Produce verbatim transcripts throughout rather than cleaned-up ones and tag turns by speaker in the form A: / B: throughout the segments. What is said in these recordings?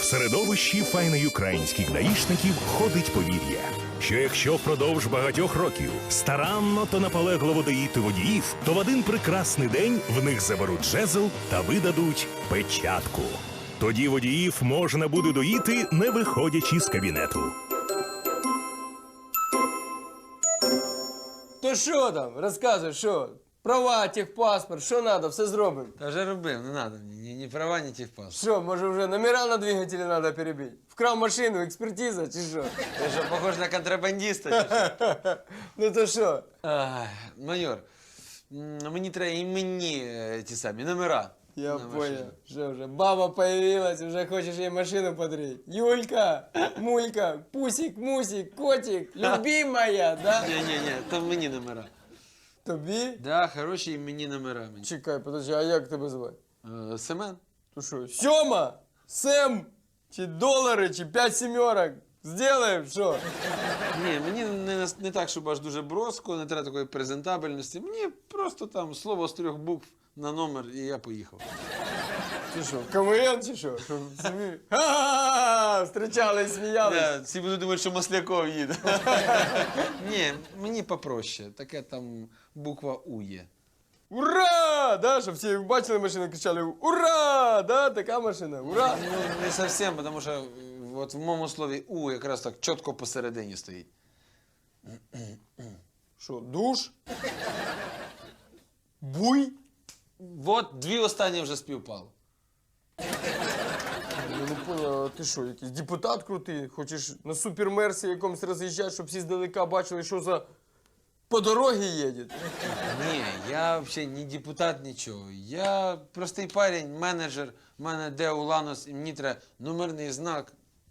A: В середовищі файноюкраїнських даїшників ходить повір'я, що якщо впродовж багатьох років старанно та наполегливо доїти водіїв, то в один прекрасний день в них заберуть жезл та видадуть печатку. Тоді водіїв можна буде доїти, не виходячи з кабінету.
B: То що там? Розказуй, що? Права, техпаспорт, що треба, все зробимо.
C: Та вже робив, не треба мені, ні, ні права, ні техпаспорт.
B: Що, може вже номера на двигателі треба перебити? Вкрав машину, експертиза чи що?
C: Ти що, похож на контрабандиста? Чи що?
B: Ну то що?
C: Ай, майор, м, мені треба і мені е, ті самі номера.
B: Я
C: на
B: понял.
C: машину.
B: Що вже, баба появилась, вже хочеш їй машину подарити. Юлька, Мулька, Пусик, Мусик, Котик, любимая, да?
C: Ні-ні-ні, то мені номера.
B: Тобі?
C: Да, хороші і мені номера. Мені.
B: Чекай, подожди, а як тебе звати?
C: Е, Семен?
B: То що, Сьома, Сем, чи долари, чи п'ять сімерок? Сделаем, що?
C: Ні, мені не, нас- не так, щоб аж дуже броско, не треба такої презентабельності. Мені просто там слово з трьох букв на номер, і я поїхав.
B: Чи що, КВН чи що? Що, собі? Ха-ха-ха! Встречались, сміялись.
C: Да, всі будуть думати, що Масляков їде. Ні, мені попроще. Таке там буква У є.
B: Ура! Да, щоб всі бачили машину, кричали «Ура!» Да, така машина, ура!
C: Ну, не зовсім, тому що е, от в моєму слові У якраз так чітко посередині стоїть.
B: Що, душ? Буй?
C: От дві останні вже співпали.
B: Я не понял, а ти що, якийсь депутат крутий? Хочеш на супермерсі якомусь роз'їжджати, щоб всі здалека бачили, що за по дорогі їде?
C: Ні, я взагалі не депутат, нічого. Я простий парень, менеджер, в мене де Уланос, і мені треба номерний знак.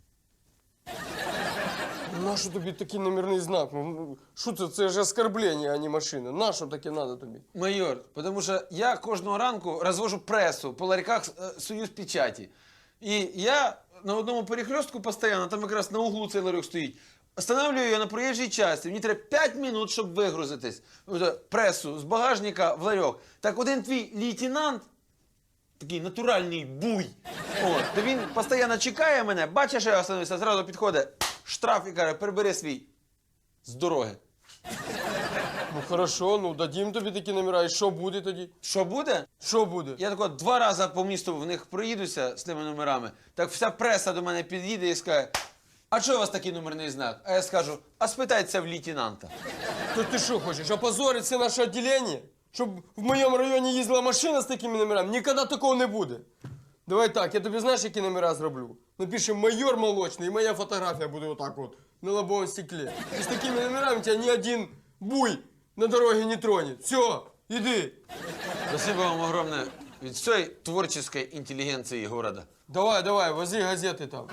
B: Нащо тобі такий номерний знак? Ну, що це? Це ж оскорблення, а не машина. Нащо таке треба тобі?
C: Майор, тому що я кожного ранку розвожу пресу по ларьках е, «Союз печаті». І я на одному перехрестку постійно, там якраз на углу цей ларьок стоїть, останавливаю його на проїжджій часті. Мені треба п'ять минут, щоб вигрузитись. Оце, пресу з багажника в ларьок. Так один твій лейтенант, такий натуральний буй, от, то він постійно чекає мене, бачить, що я остановився, зразу підходить, штраф і каже, прибери свій з дороги.
B: Ну хорошо, ну дадім тобі такі номера, і що буде тоді?
C: Що буде?
B: Що буде?
C: Я тако два рази по місту в них проїдуся з тими номерами, так вся преса до мене під'їде і скаже, а чого у вас такий номерний знак? А я скажу, а спитайте в лейтенанта.
B: То ти що хочеш, опозорити все наше відділення? Щоб в моєму районі їздила машина з такими номерами? Ніколи такого не буде. Давай так, я тобі знаєш, які номера зроблю? Напишем «Майор молочний» і моя фотографія буде отак от, на лобовому стеклі. І з такими номерами тебя ні один буй на дороге не тронет. Все, іди.
C: Спасибо вам огромное від всей творческой интеллигенции города.
B: Давай, давай, вози газети там.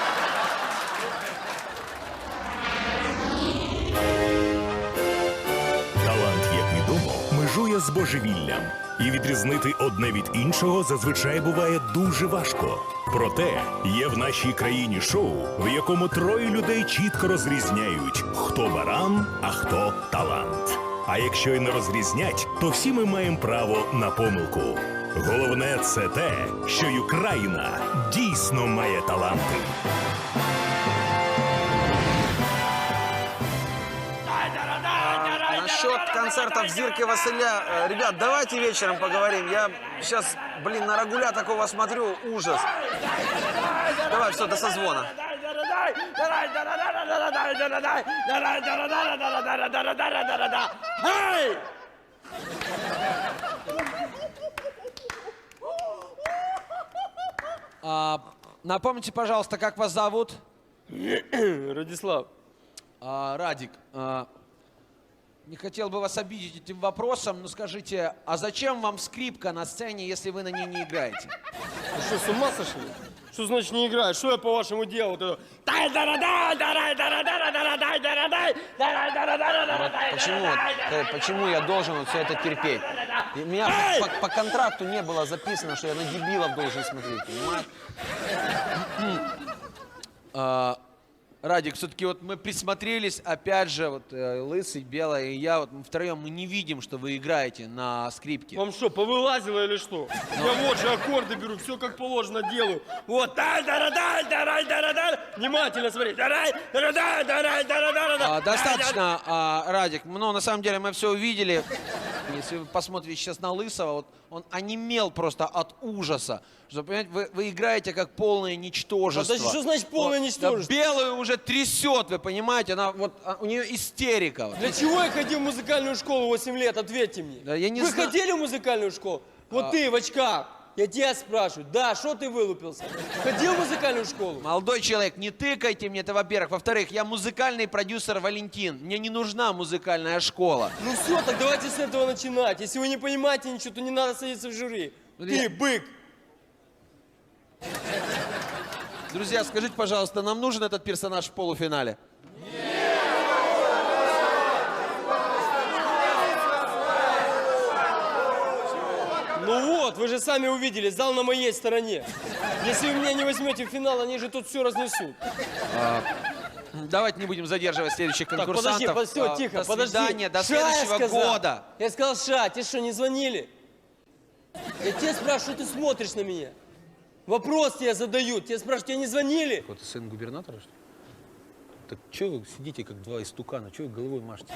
A: Талант, як відомо, межує з божевіллям. І відрізнити одне від іншого зазвичай буває дуже важко. Проте є в нашій країні шоу, в якому троє людей чітко розрізняють, хто баран, а хто талант. А якщо й не розрізнять, то всі ми маємо право на помилку. Головне – це те, що Україна дійсно має таланти.
C: Насчет концертов Зирки Василя, э, ребят, давайте вечером поговорим. Я сейчас, блин, на Рагуля такого смотрю, ужас. Давай, все, до созвона.
D: А, напомните, пожалуйста, как вас зовут?
B: Радислав.
D: А, Радик. А, не хотел бы вас обидеть этим вопросом, но скажите, а зачем вам скрипка на сцене, если вы на ней не играете?
B: Ты что, с ума сошли? Что значит не играешь? Что я по-вашему делал? Вот это...
C: Почему, э, почему я должен вот все это терпеть? И у меня по, по- по контракту не было записано, что я на дебилов должен смотреть, понимаешь?
D: А, Радик, все-таки вот мы присмотрелись, опять же, вот э, Лысый, Белая и я, вот мы втроем мы не видим, что вы играете на скрипке.
B: Вам что, повылазило или что? Я вот же аккорды беру, все как положено делаю. Вот. Внимательно смотри.
D: А, достаточно, а, Радик. Ну, на самом деле, мы все увидели. Если вы посмотрите сейчас на Лысого, вот он онемел просто от ужаса. Что, понимаете, вы, вы играете как полное ничтожество.
B: Подожди, что значит полное
D: Вот,
B: ничтожество?
D: да Белую уже трясет, вы понимаете? Она, вот, а, у нее истерика. Вот.
B: Для чего я ходил в музыкальную школу восемь лет? Ответьте мне.
D: Да я не
B: Вы
D: зна-
B: ходили в музыкальную школу? Вот
D: А.
B: ты в очках. Я тебя спрашиваю. Да, что ты вылупился? Ходил в музыкальную школу?
D: Молодой человек, не тыкайте мне это, во-первых. Во-вторых, я музыкальный продюсер Валентин. Мне не нужна музыкальная школа.
B: Ну все, так давайте с этого начинать. Если вы не понимаете ничего, то не надо садиться в жюри.
D: Ну,
B: Ты,
D: я-
B: бык.
D: Друзья, скажите, пожалуйста, нам нужен этот персонаж в полуфинале?
B: Ну вот, вы же сами увидели, зал на моей стороне. Если вы меня не возьмете в финал, они же тут все разнесут.
D: Давайте не будем задерживать следующих
B: Так,
D: конкурсантов.
B: подожди, под- все,
D: А,
B: тихо,
D: до
B: подожди.
D: свидания, до
B: Ша, я
D: следующего
B: сказал.
D: года.
B: Я сказал, Ша, тебе что, не звонили? Я тебя спрашиваю, что ты смотришь на меня? Вопрос тебе задают, тебя спрашивают, тебе не звонили?
C: Вот сын губернатора, что ли? Так что вы сидите, как два истукана? Чего вы головой машете?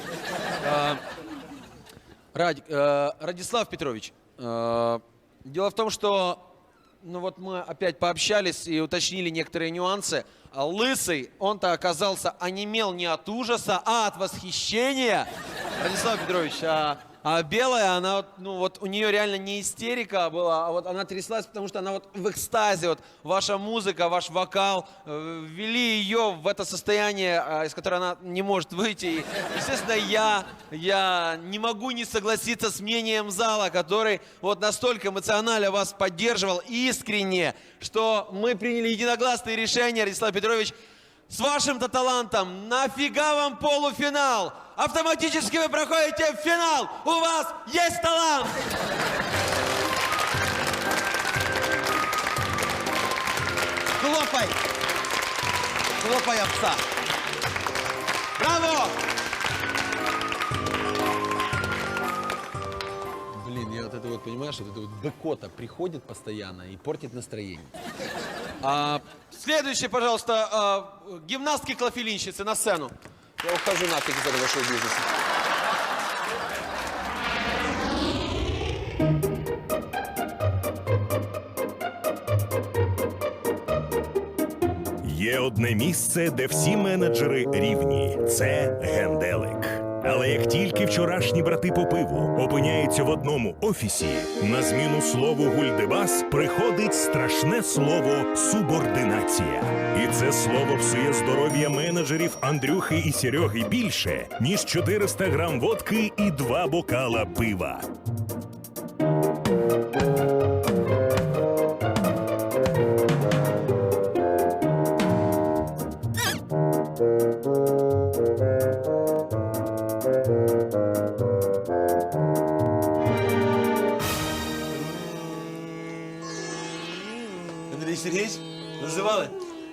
D: Радик, э, Радислав Петрович, э, дело в том, что ну вот мы опять пообщались и уточнили некоторые нюансы. А Лысый, он-то оказался онемел не от ужаса, а от восхищения. Радислав Петрович, а, а Белая, она вот, ну вот у нее реально не истерика была, а вот она тряслась, потому что она вот в экстазе, вот ваша музыка, ваш вокал э, ввели ее в это состояние, э, из которого она не может выйти. И, естественно, я, я не могу не согласиться с мнением зала, который вот настолько эмоционально вас поддерживал, искренне, что мы приняли единогласное решение, Радислав Петрович, с вашим-то талантом, нафига вам полуфинал? Автоматически вы проходите в финал! У вас есть талант! Хлопай! Хлопай овца! Браво!
C: Блин, я вот это вот, понимаешь, вот это вот быкота приходит постоянно и портит настроение.
D: А, следующее, пожалуйста, а, гимнастки-клофелинщицы на сцену.
C: Я ухожу нафиг из этого шоу-бизнеса.
A: Є одне місце, де всі менеджери рівні. Це генделик. Але як тільки вчорашні брати по пиву опиняються в одному офісі, на зміну слову гульдебас приходить страшне слово субординація. І це слово псує здоров'я менеджерів Андрюхи і Сереги більше, ніж чотириста грам водки і два бокала пива.
C: Андрій Сергійович, називали?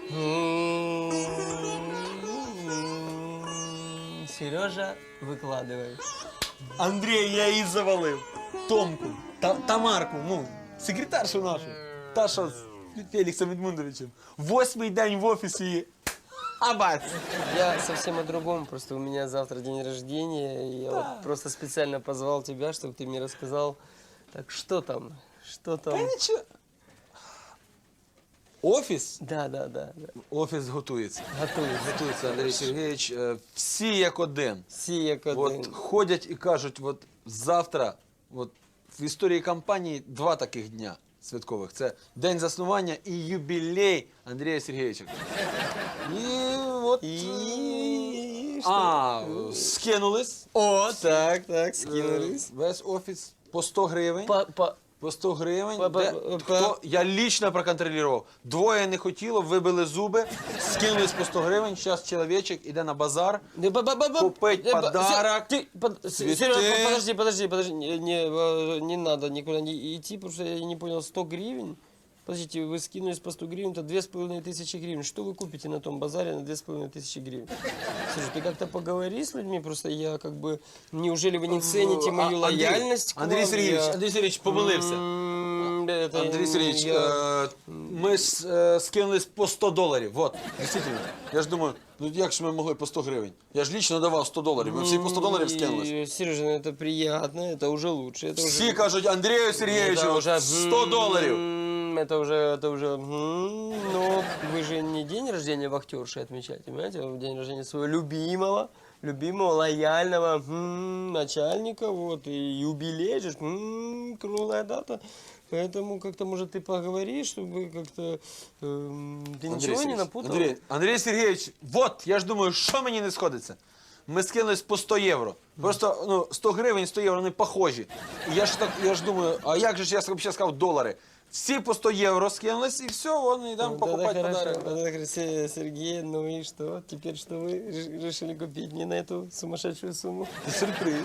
B: Сережа, викладывай.
C: Андрій, я її завалив. Томку, Та- Тамарку, ну, секретаршу нашу. Та, що з Феліксом Едмундовичем. Восьмий день в офісі і... Абац!
B: Я совсем о другом. Просто у меня завтра день рождения. И я вот просто специально позвал тебя, чтобы ты мне рассказал. Так что там? Что там?
C: Та нічого. Офіс?
B: Да, да, да. да.
C: Офіс готується.
B: Готовы.
C: Готується, Андрій Сергійович. Е, Всі як один.
B: Сия
C: От ходять і кажуть, от завтра, от в історії компанії два таких дня святкових. Це день заснування і юбілей Андрія Сергійовича. І от...
B: И...
C: А, скинулись.
B: О, так, так,
C: Е,
B: скинулись.
C: Весь офіс по сто гривень.
B: По, по...
C: По сто гривень.
B: Па- па-
C: Де-
B: па-
C: хто, я лічно проконтролював. Двоє не хотіло, вибили зуби, скинулись по сто гривень. Зараз чоловічок іде на базар.
B: Да, ба- ба- ба- ба-
C: Купить
B: э, ба-
C: подарок,
B: Се- ты, под-
C: цветы.
B: Серега, по- подожди, подожди, подожди. Не, не, э, не надо никуда не идти, потому что я не понял, сто гривен? Подождите, вы скинулись по сто гривен, это две с половиной тысячи гривен. Что вы купите на том базаре на две с половиной тысячи гривен? Слушай, ты как-то поговори с людьми, просто я как бы... Неужели вы не цените мою
C: А, Андрей,
B: лояльность к
C: Андрей
B: вам?
C: Сергеевич,
B: Я-
C: Андрей Сергеевич помилився.
B: М, это
C: Андрій Сергійович,
B: я-
C: е, ми ж е, скинулись по сто доларів. Вот, дійсно. Я ж думаю, ну як ж ми могли по сто гривень? Я ж лічно давав сто доларів. Ми всі по сто доларів скинулись.
B: И, Сережа, ну это приятно, это уже лучше. Это
C: Всі
B: уже...
C: кажуть, Андрію
B: это
C: Сергійовичу,
B: уже
C: сто доларів.
B: м, Это уже, это уже, м, но вы же не день рождения вахтерши отмечаете, понимаете? Вы день рождения своего любимого, любимого, лояльного м, начальника, вот, и юбилей же, м, круглая дата. Поэтому как-то, может, ты поговори, чтобы как-то... эм, ты
C: Андрій
B: ничего не
C: Сергійович,
B: напутал?
C: Андрій, Андрій Сергійович, вот, я ж думаю, що мені не сходиться? Ми скинулись по сто євро. Просто ну, сто гривень, сто євро, вони похожі. І я ж так, я ж думаю, а як же ж я взагалі сказав долари? Всі по сто євро скинулись, і все, вон, йдемо
B: Ну,
C: покупати
B: тогда
C: подарок.
B: хорошо. Тогда хорошо, Се- Сергей, ну и что? Теперь что вы реш- решили купить мне на эту сумасшедшую сумму?
C: Сюрприз.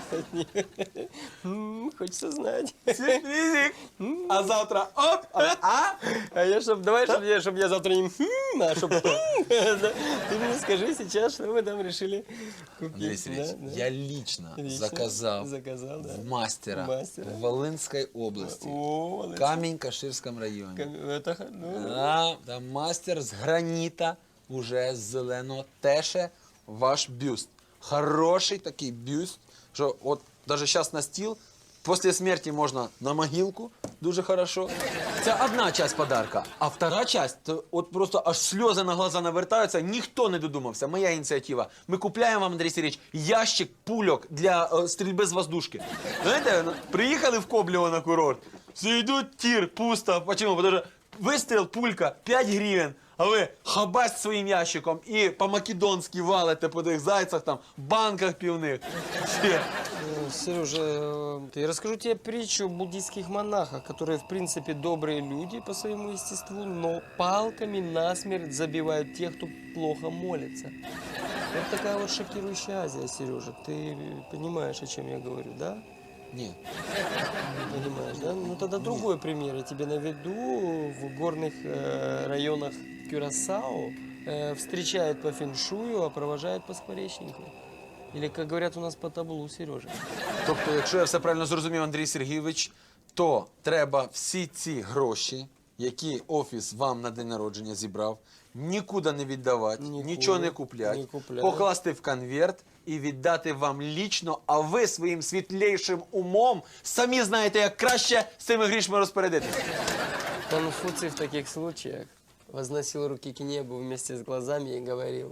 B: М, Хочется знать.
C: Сюрпризик. А завтра оп, а? а?
B: А я чтоб, давай, чтобы я, чтоб я завтра не «хм», а чтоб «хм». Да. Ты мне скажи сейчас, что вы там решили купить.
C: Андрій Сергійович,
B: Да, да.
C: я лично,
B: Лично
C: заказав
B: Заказал, да.
C: в мастера,
B: Мастера.
C: в Волинській області,
B: О, молодец.
C: Камінь-Каширському районі.
B: Кам- Это, х- ну,
C: А, там мастер з граніта, уже з зеленого, теше ваш бюст. Хороший такий бюст, що от навіть зараз на стіл, після смерті можна на могилку, дуже хорошо. Це одна часть подарка, а втора часть, то от просто аж сльози на глаза навертаються, ніхто не додумався, моя ініціатива. Ми купляємо вам, Андрій Сергійович, ящик пульок для е, стрільби з воздушки. Знаєте, ну, приїхали в Коблево на курорт, все йдуть, тір, пусто. Почему? Потому що вистріл, пулька, п'ять гривень, а ви хабасть своїм ящиком і по-македонськи валите по тих зайцях, там, банках півних. Все.
B: э, Сережа, э, я расскажу тебе притчу о буддийских монахах, которые, в принципе, добрые люди по своему естеству, но палками насмерть забивают тех, кто плохо молится. Вот такая вот шокирующая Азия, Сережа. Ты понимаешь, о чем я говорю, да?
C: Ні.
B: Не понимаешь, да? Ну тогда другой пример я тебе наведу. В горных э, районах Кюрасао э, встречают по феншую, а провожают по скворечнику. Или, как говорят у нас, по таблу, Сережа.
C: Тобто, якщо я все правильно зрозумів, Андрій Сергійович, то треба всі ці гроші, які офіс вам на день народження зібрав, нікуди не віддавати,
B: Нікуди
C: нічого не купляти,
B: не купляти.
C: покласти в конверт і віддати вам лічно, а ви своїм світлейшим умом самі знаєте, як краще з цими грішми розпорядитися.
B: Конфуций в таких случаях возносил руки к небу вместе с глазами и говорил: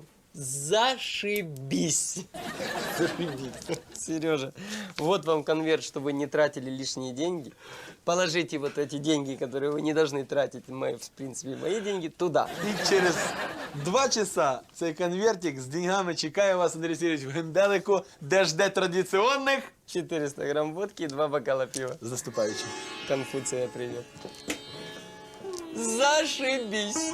B: зашибись! Сережа, вот вам конверт, чтобы вы не тратили лишние деньги. Положите вот эти деньги, которые вы не должны тратить, мои, в принципе, мои деньги, туда.
C: І через два часа цей конвертик з деньгами чекає вас, Андрій Сергійович, в генделику, де жде традиційних.
B: четыреста грамм водки и два бокала пива.
C: З наступаючим.
B: Конфуция привет. Зашибись!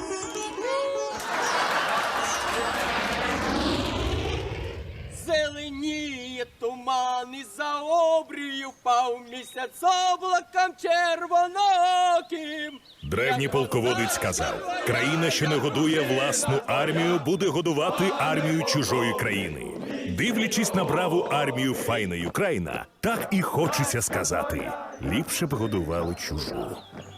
B: Зеленіє туман і за обрію впав місяць облаком червоноким.
A: Древній полководець сказав: країна, що не годує власну армію, буде годувати армію чужої країни. Дивлячись на браву армію файної Україна, так і хочеться сказати: ліпше б годували чужу.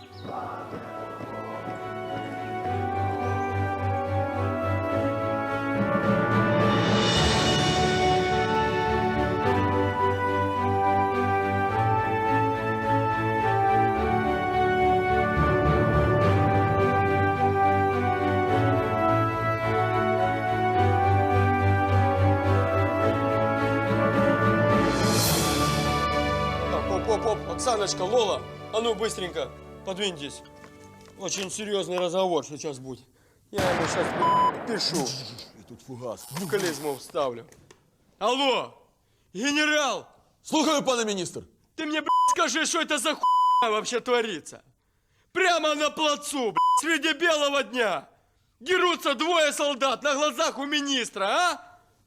B: Так, оп-оп-оп, Оксаночка, Лола, а ну быстренько, подвиньтесь. Очень серьезный разговор сейчас будет. Я ему сейчас пишу.
C: Тут фугас.
B: В клизму вставлю. Алло, генерал,
C: Слухаю, пане міністр.
B: ты мне, блядь, скажи, что это за хуйня вообще творится? Прямо на плацу, блядь, среди белого дня. Дерутся двое солдат на глазах у министра, а?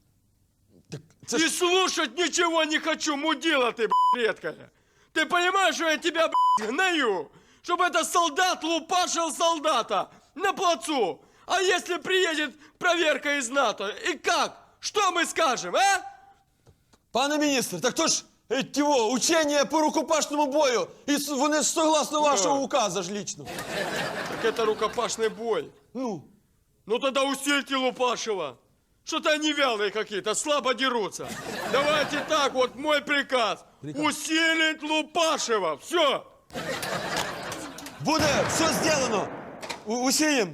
B: И слушать ничего не хочу, мудила ты, блядь, редкая. Ты понимаешь, что я тебя, блядь, гною? чтобы этот солдат лупашил солдата на плацу. А если приедет проверка из НАТО, и как? Что мы скажем, а?
C: Пане міністр, так то ж е, тіво, учення по рукопашному бою. І с- вони ж согласно вашого указа ж лічно.
B: Так это рукопашный бой.
C: Ну,
B: Ну тогда усильте Лупашева. Что-то они вялые какие-то, слабо дерутся. Давайте так, вот мой приказ. Усилить Лупашева. Все.
C: буде, все зроблено. У- Усієм.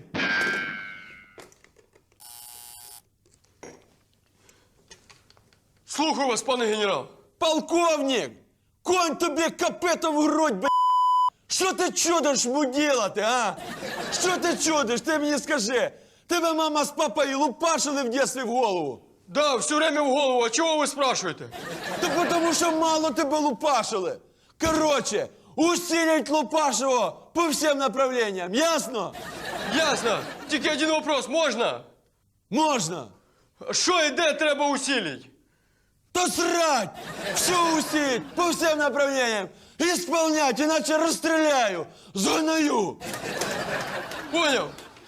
B: Слухаю вас, пане генерал.
C: Полковник! Конь тобі копитом в грудь, б***ь! Що ти чудиш муділа ти, а? Що ти чудиш? Ти мені скажи. Тебе мама з папою лупашили в дєстві в голову.
B: Да, все время в голову. А чего вы спрашиваете?
C: Та тому що мало тебе лупашили. Короче, усилить Лупашева по всім направленням, ясно?
B: Ясно. Тільки один вопрос, можно?
C: Можна.
B: Що і де треба усилить?
C: То срать! Все усилить по всім направленням. Исполнять, иначе расстреляю, загнаю.
B: Понял?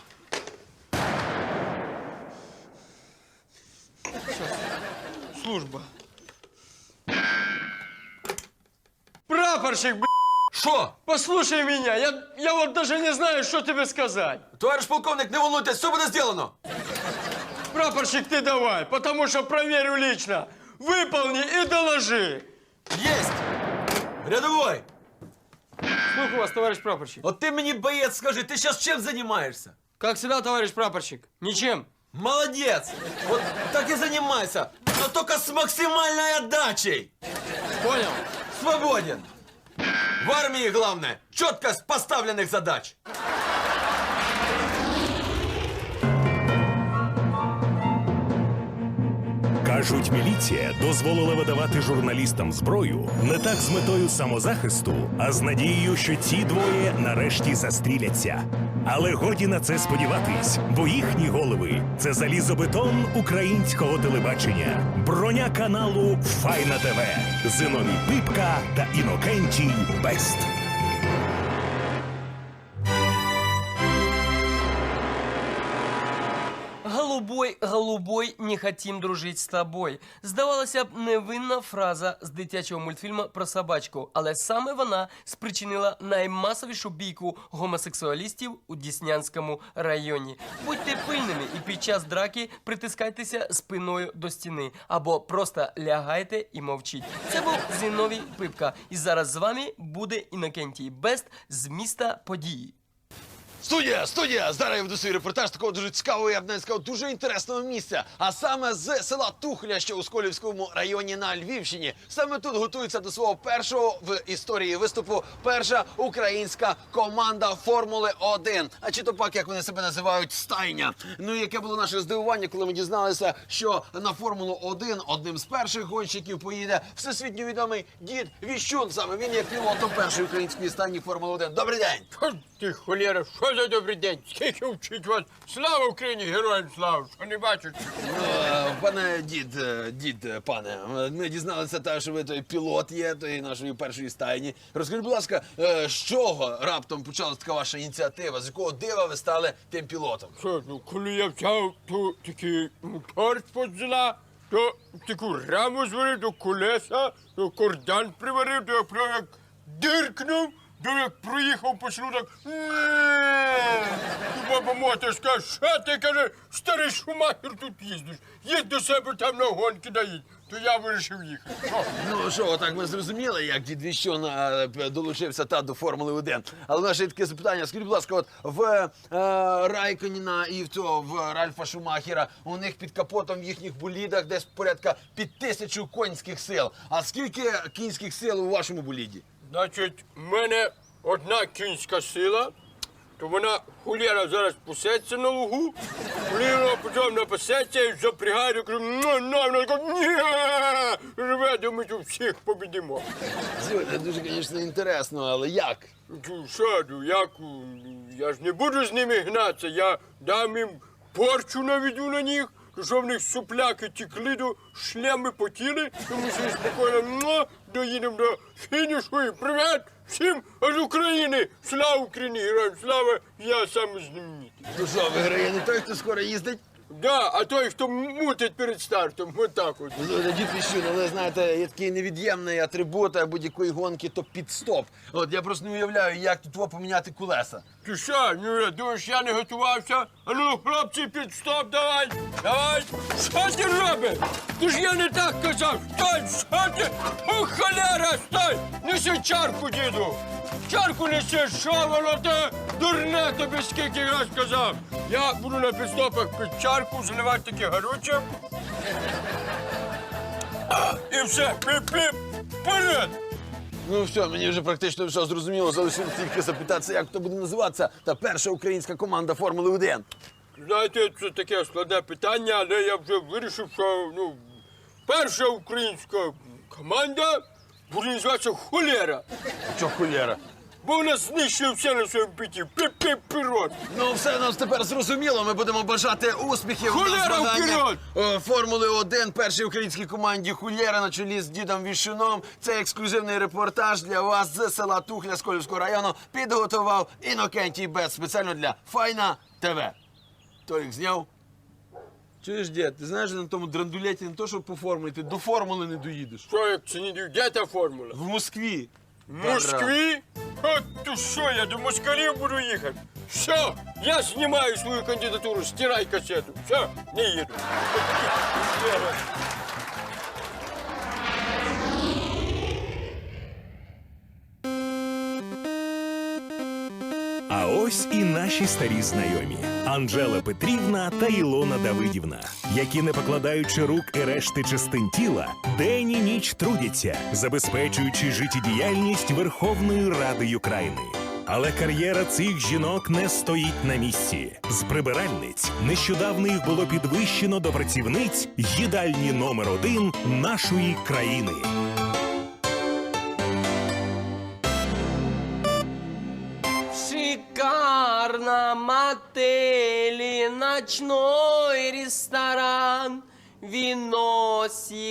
B: Служба. Прапорщик, б***ь,
E: Що?
B: послушай меня. Я, я вот даже не знаю, что тебе сказать.
E: Товариш полковник, не волнуйтесь, все буде зроблено.
B: Прапорщик, ты давай, потому что проверю лично. Выполни и доложи.
E: Єсть! Рядовой,
B: Слухаю вас, товарищ прапорщик.
E: от ти мені, боєць, скажи, ти зараз чим займаєшся?
B: Как всегда, товарищ прапорщик. Ничем.
E: Молодець! От так і займайся, но только з максимальною отдачей.
B: Понял?
E: Свободен. В армії головне – чіткость поставлених задач.
A: Кажуть, міліція дозволила видавати журналістам зброю не так з метою самозахисту, а з надією, що ці двоє нарешті застріляться. Але годі на це сподіватись, бо їхні голови – це залізобетон українського телебачення, броня каналу Файна ТВ, Зиновій Пипка та Інокентій Бест.
F: Голубой, голубой, не хотім дружить з тобою. Здавалося б, невинна фраза з дитячого мультфільму про собачку, але саме вона спричинила наймасовішу бійку гомосексуалістів у Діснянському районі. Будьте пильними і під час драки притискайтеся спиною до стіни або просто лягайте і мовчіть. Це був Зіновій Пипка, і зараз з вами буде Інокентій Бест з міста події.
C: Студія, студія! Зараз я веду свій репортаж такого дуже цікавого, я б навіть сказав, дуже інтересного місця. А саме з села Тухля, що у Сколівському районі на Львівщині. Саме тут готується до свого першого в історії виступу перша українська команда Формули один. А чи то пак, як вони себе називають, стайня. Ну і яке було наше здивування, коли ми дізналися, що на Формулу один одним з перших гонщиків поїде всесвітньо відомий дід Віщун. Саме він є пілотом першої української стайні Формули один. Добрий день!
B: Що ти, холєра, що за добрий день? Скільки вчить вас? Слава Україні, героям слава! Що не бачиш?
C: Е, Пане дід, е, дід, е, пане, е, ми дізналися, те, що ви той пілот є, тої нашої першої стайні. Розкажіть, будь ласка, е, з чого раптом почалася така ваша ініціатива? З якого дива ви стали тим пілотом?
B: Що, ну, коли я взяв ту такий мотор з-под зла, то таку раму зварив до колеса, то кордан приварив, то я прям як диркнув, то як проїхав по селу, так... І баба моторська, що ти, каже, старий Шумахер тут їздиш, їдь до себе там на гонки доїдь. То я вирішив їхати. Що?
C: Ну що, отак ми зрозуміли, як дід Віщун е, п- долучився та до Формули один. Але в нас ще є таке запитання. Скажіть, будь ласка, от в е, Райконіна і в цього, в Ральфа Шумахера у них під капотом в їхніх болідах десь порядка під тисячу кінських сил. А скільки кінських сил у вашому боліді?
B: Значить, в мене одна кінська сила, то вона хулєра зараз пасеться на лугу, хулєра потім напасеться і запрягає, кажу, ну, ну, вона така, ні, живе, думаю, що всіх побідимо.
C: Це дуже, звісно, інтересно, але як?
B: Ну, що, ну, як, я ж не буду з ними гнатися, я дам їм порчу наведу на них, що в них супляки текли, до шлеми потіли, тому що спокійно муа, доїдемо до фінішу і привіт всім з України! Слава Україні! Героям слава! Я самий знаменитий.
C: Ну що, виграє не той, хто скоро їздить?
B: Да, а той, хто мутить перед стартом, отак от.
C: Ну, дід Віщун, але знаєте, є такий невід'ємний атрибут будь-якої гонки, то підстоп. От я просто не уявляю, як тут во поміняти колеса.
B: Ти що, ну, я думаєш, я не готувався? А ну, хлопці, під стоп, давай! Давай! Що ти робиш? Ти ж я не так казав! Стой, що ти? О, холера, стой! Неси чарку, діду! Чарку неси, що воно те? Дурне тобі скільки раз казав! Я буду на підстопах під чарку, заливати таке горюче. А, і все, піп-піп, вперед!
C: Ну все, мені вже практично все зрозуміло, залишилось тільки запитатися, як то буде називатися та перша українська команда Формули один.
B: Знаєте, це таке складне питання, але я вже вирішив, що ну, перша українська команда буде називатися «Холера»,
C: Чо холєра?
B: бо вона знищує все на своєму піті. Піп-піп, вперед!
C: Ну все нам тепер зрозуміло, ми будемо бажати успіхів
B: Холєра,
C: на змаганнях
B: вперед!
C: е, Формули один першій українській команді Холєра на чолі з дідом Віщуном. Це ексклюзивний репортаж для вас з села Тухля Сколівського району підготував Інокентій Бет спеціально для Файна ТВ. Толік зняв? Чуєш, дід, ти знаєш, на тому драндулеті не то, що по формулі, ти до формули не доїдеш.
B: Що, як це не див? Де та формула?
C: В Москві.
B: В Москві? От ти що, я до москалів буду їхати. Все, я знімаю свою кандидатуру, стирай касету. Все, не їду.
A: А ось і наші старі знайомі Анжела Петрівна та Ілона Давидівна, які, не покладаючи рук і решти частин тіла, день і ніч трудяться, забезпечуючи життєдіяльність Верховної Ради України. Але кар'єра цих жінок не стоїть на місці. З прибиральниць нещодавно їх було підвищено до працівниць їдальні номер один нашої країни.
F: Шикарном отеле ночной ресторан, вино,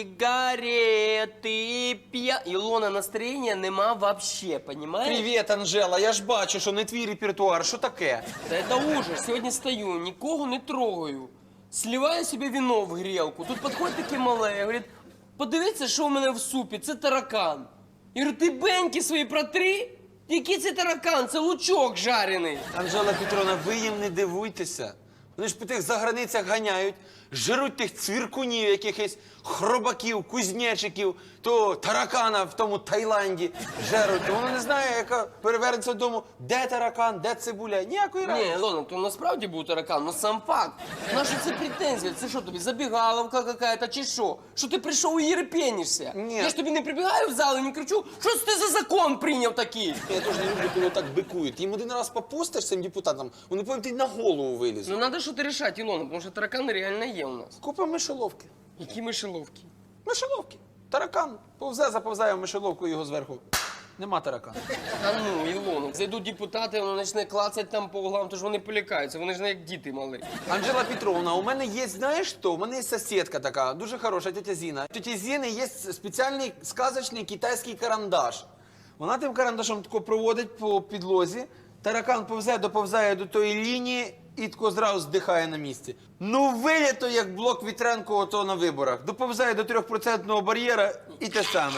F: сигареты, пья... Илона, настроения нема вообще, понимаешь?
D: Привіт, Анжела. Я ж бачу, що не твій репертуар. Що таке?
F: Да это ужас. Сегодня стою, никого не трогаю. Сливаю себе вино в грелку. Тут подходит таке мале, говорит, подивіться, що у мене в супі, це таракан. Я говорю, ти беньки свої протри? Який це таракан? Це лучок жарений.
C: Анжела Петровна, ви їм не дивуйтеся. Вони ж по тих заграницях ганяють, жируть тих цвіркунів, якихось хробаків, кузнечиків, то таракана в тому Таїланді жеруть. То воно не знає, яка перевернеться додому, де таракан, де цибуля. Ніякої
F: Ні,
C: разниці.
F: Ілона, то насправді був таракан, але сам факт. Наша це претензія? Це що тобі, забігаловка какая-то чи що? Що ти прийшов і єрепенишся?
C: Ні.
F: Я ж тобі не прибігаю в зал і не кричу, що це ти за закон прийняв такий?
C: Я теж не люблю, коли так бикують. Їм один раз попустиш цим депутатам, вони потім тобі на голову вилізуть.
F: Ну треба щось рішати, Ілона, тому що таракан реально є у нас.
C: Купа мишоловки.
F: Які мишеловки?
C: Мишоловки. Таракан. Повзе, заповзає в мишоловку, його зверху. Нема таракана.
F: Та ну, Ілона, зайдуть депутати, воно почне клацати там по углам, то ж вони полякаються, вони ж не як діти мали.
C: Анжела Петровна, у мене є, знаєш що? У мене є сусідка така, дуже хороша, тетя Зіна. Тетя Зіни є спеціальний сказочний китайський карандаш. Вона тим карандашом тако проводить по підлозі, таракан повзе, доповзає до тої лінії і тако зразу здихає на місці. Ну, вилято, як блок Вітренко ото на виборах. Доповзає до трьохпроцентного бар'єра і те саме.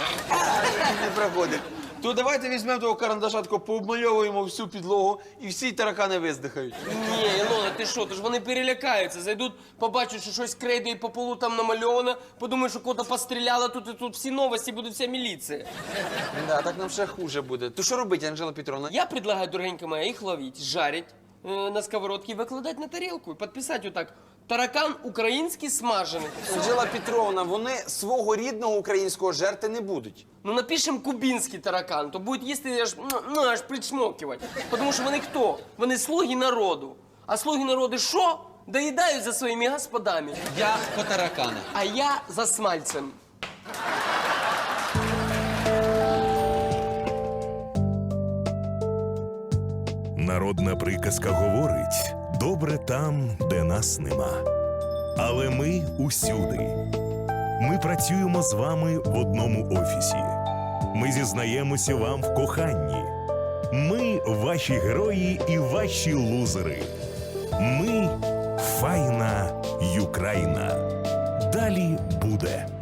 C: І не проходить. То давайте візьмемо того карандаша, тако пообмальовуємо всю підлогу і всі таракани виздихають.
F: Ні, Ілона, ти що, то ж вони перелякаються, зайдуть, побачать, що щось крейдою по полу там намальовано, подумають, що кого-то постріляли, тут і тут всі новості, буде вся міліція.
C: Да, так нам ще хуже буде. То що робити, Анжела Петровна?
F: Я предлагаю, дорогенька моя, их ловить, жарить э, на сковородке и выкладывать на тарелку. И подписать вот так. Таракан український смажений.
C: Анжела Петровна, вони свого рідного українського жерти не будуть.
F: Ну напишем кубинский таракан, то будет їсти аж, ну, аж причмокивать. Потому що вони хто? Вони слуги народу. А слуги народу що? Доїдають за своїми господами.
D: Я по тараканах.
F: А я за смальцем.
A: Народна приказка говорить: добре там, де нас нема. Але ми усюди. Ми працюємо з вами в одному офісі. Ми зізнаємося вам в коханні. Ми ваші герої і ваші лузери. Ми файна Юкраїна. Далі буде.